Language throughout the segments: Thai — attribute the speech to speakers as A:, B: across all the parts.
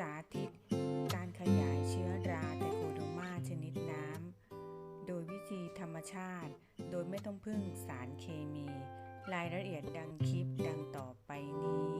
A: าธิตการขยายเชื้อราไทโคโดมาชนิดน้ำโดยวิธีธรรมชาติโดยไม่ต้องพึ่งสารเคมี รายละเอียดดังคลิปดังต่อไปนี้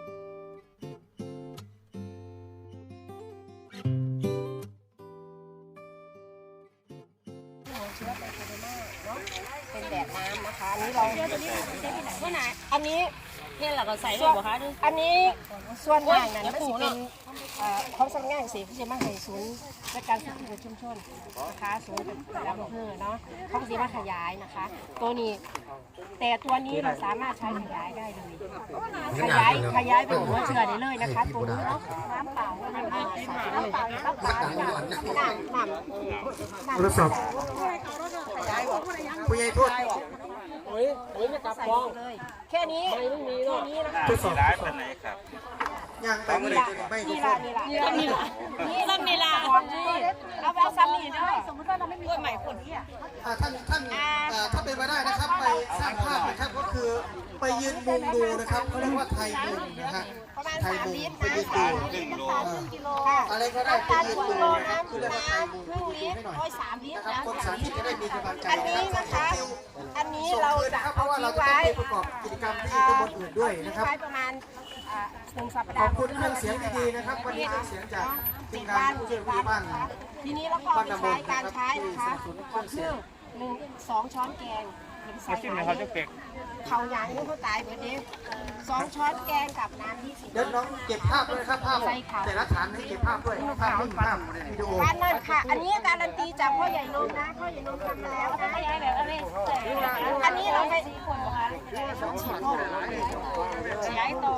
B: เชื้อไทโคโดมาเนาะเป็นแบบน้ำนะคะอันนี้เราอันนี้
C: เนี่ยเราก็ใส่เลยบ่คะดู
B: อันนี้ส่วนมากนั้นมันจะเป็นของสำนักงานเกษตรที่จะมาให้ศูนย์และการศึกษาชุมชนนะคะศูนย์แต่ละอำเภอเนาะเขาจะมาขยายนะคะตัวนี้แต่ตัวนี้เราสามารถใช้ขยายได้เลยขยายไปหัวเชื้อได้เลยนะคะตัวนี้เนาะน้ำเปล่า
D: โทรศัพท์ผู้ใหญ่ทวด
B: ใส่เลยแค่นี้นะคะ
D: ทดสอบ
E: ร้ายเป็นไหนครับ
D: ยังไปไม่ได้ไม่ทุกคน
C: นี่ละ
B: เอาไปเอาซ้ำนี่ด้วยสมมติว่าเราไม่มีใหม่คนที่
D: ท่านถ้าเป็นไปได้นะครับไปสร้างภาพนะครับก็คือไปยืนมุงดูนะครับเขาเรียกว่าไทยมุงนะฮะไทยมุงไปยืนดูอะไรก็ได้ไปยืนดูนะครับคือเรียกว่าไทยมุงดูให้หน่อยนะครับคนสาธิตจะได้มีกำลังใจ
B: อันนี้นะคะอันนี้เราจะ
D: เพราะว่าเราจะต้องไปประกอบกิจกรรมที่ตำบลอื่นด้วยนะครับ
B: ประมาณ1 สัป
D: ข
B: ดา
D: อบ
B: ห์
D: คุณเครื่องเสียงดีๆนะครับวันนี้เครื่องเสียงจากทีมงานผู้ช่วยผู้ใหญ่บ้าน
B: ทีนี้เราก็ใช้การใช้นะคะก็คือ2 ช้อนแกง
E: มาชิมเลยเขาจะเป็ก
B: เขาอย่างนี้เขาตายเหมือนเดิม2 ช้อนแกงกับน้ำ20
D: เดี๋ยวน้องเก็บภาพด้วยครับภาพแต่ละฐานให้เก็บภาพด้วยภาพนิ่งภาพวิดีโอ
B: การนั่นค่ะ อันนี้การันตีจากพ่อใหญ่นมนะพ่อใหญ่นมทำมาแล้วนะอันนี้เราไป4 คนนะคะขยายต่อ